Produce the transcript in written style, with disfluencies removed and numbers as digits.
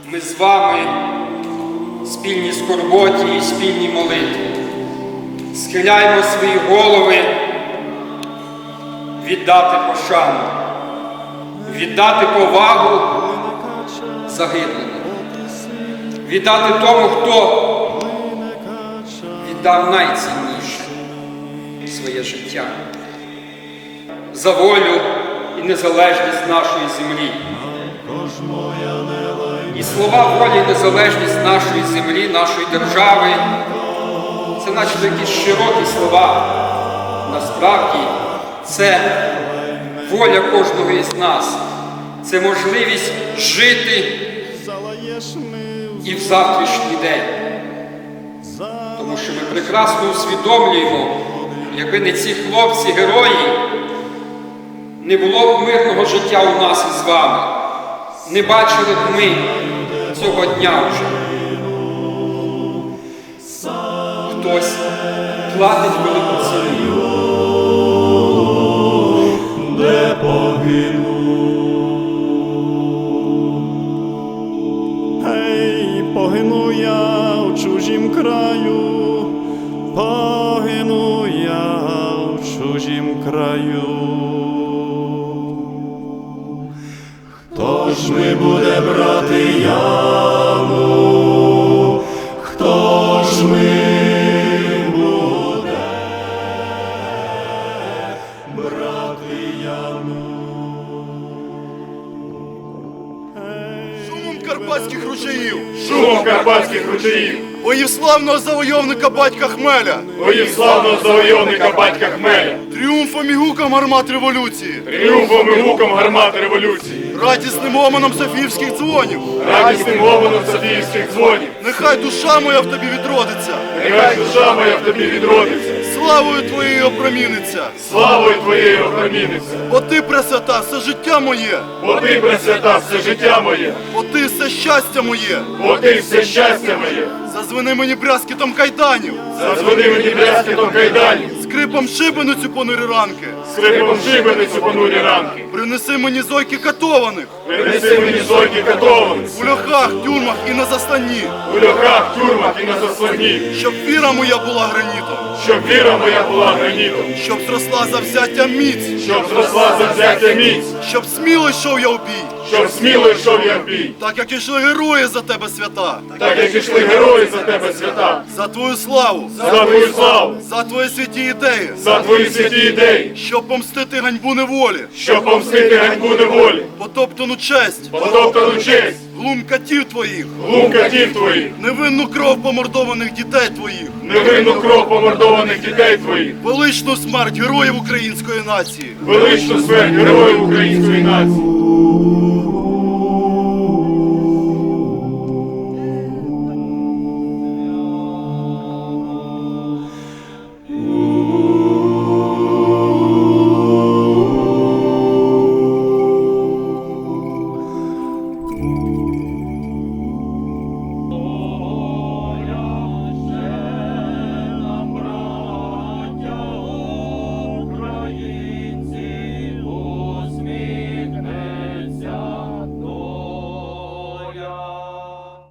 ми з вами спільній скорботі і спільній молитві. Схиляємо свої голови віддати пошану, віддати повагу загиблим, віддати тому, хто віддав найцінніше своє життя за волю і незалежність нашої землі. І слова волі і незалежність нашої землі, нашої держави – це наче якісь широкі слова. Насправді це воля кожного із нас. Це можливість жити і в завтрашній день. Тому що ми прекрасно усвідомлюємо, якби не ці хлопці-герої, не було б мирного життя у нас із вами. Не бачили б ми цього дня вже. Хтось платить велику ціну. Не погину. Гей, погину я в чужім краю, погину я в чужім краю. Хто ж ми буде брати яму? Хто ж ми буде брати яму? Шумом карпатських ручаїв, Шумом карпатських ручаїв, боїв славного завойовника батька Хмеля, боїв славного завойовника батька Хмеля, тріумфом і гуком гармат революції, тріумфом і гуком гармат революції, радісним гомоном софіївських дзвонів. радісним гомоном софіївських дзвонів. Нехай душа моя в тобі відродиться, Нехай душа моя в тобі відродиться, славою твоєю опроміниться. славою твоєю опроміниться. Бо ти, пресвята, все життя моє, Бо ти, пресвята, все життя моє, бо ти все щастя моє. бо ти все щастя моє. Зазвени мені брязкітом кайданів, Зазвони мені брязкітом кайданів, скрипом шибеницю понурі ранки. скрипом шибеницю понурі ранки. Принеси мені зойки катованих, Принеси мені зойки катованих, у льохах, тюрмах і на застанні, у льохах, тюрмах і на заслоні, щоб віра моя була гранітом, щоб віра моя була гранітом, щоб зросла завзяття міць, щоб зросла завзяття міць, щоб сміло йшов я в бій, щоб сміло йшов я в бій, так як ішли герої за тебе, свята, так як ішли герої за тебе, свята, за твою славу, за твою славу, за твої святі ідеї, за твої святі ідеї, щоб помстити ганьбу неволі, щоб помстити ганьбу неволі, потоптану честь, потоптану честь, глум катів твоїх, глум катів твоїх, невинну кров помордованих дітей твоїх, невинну кров помордованих дітей твоїх, величну смерть героїв української нації. величну смерть героїв української нації.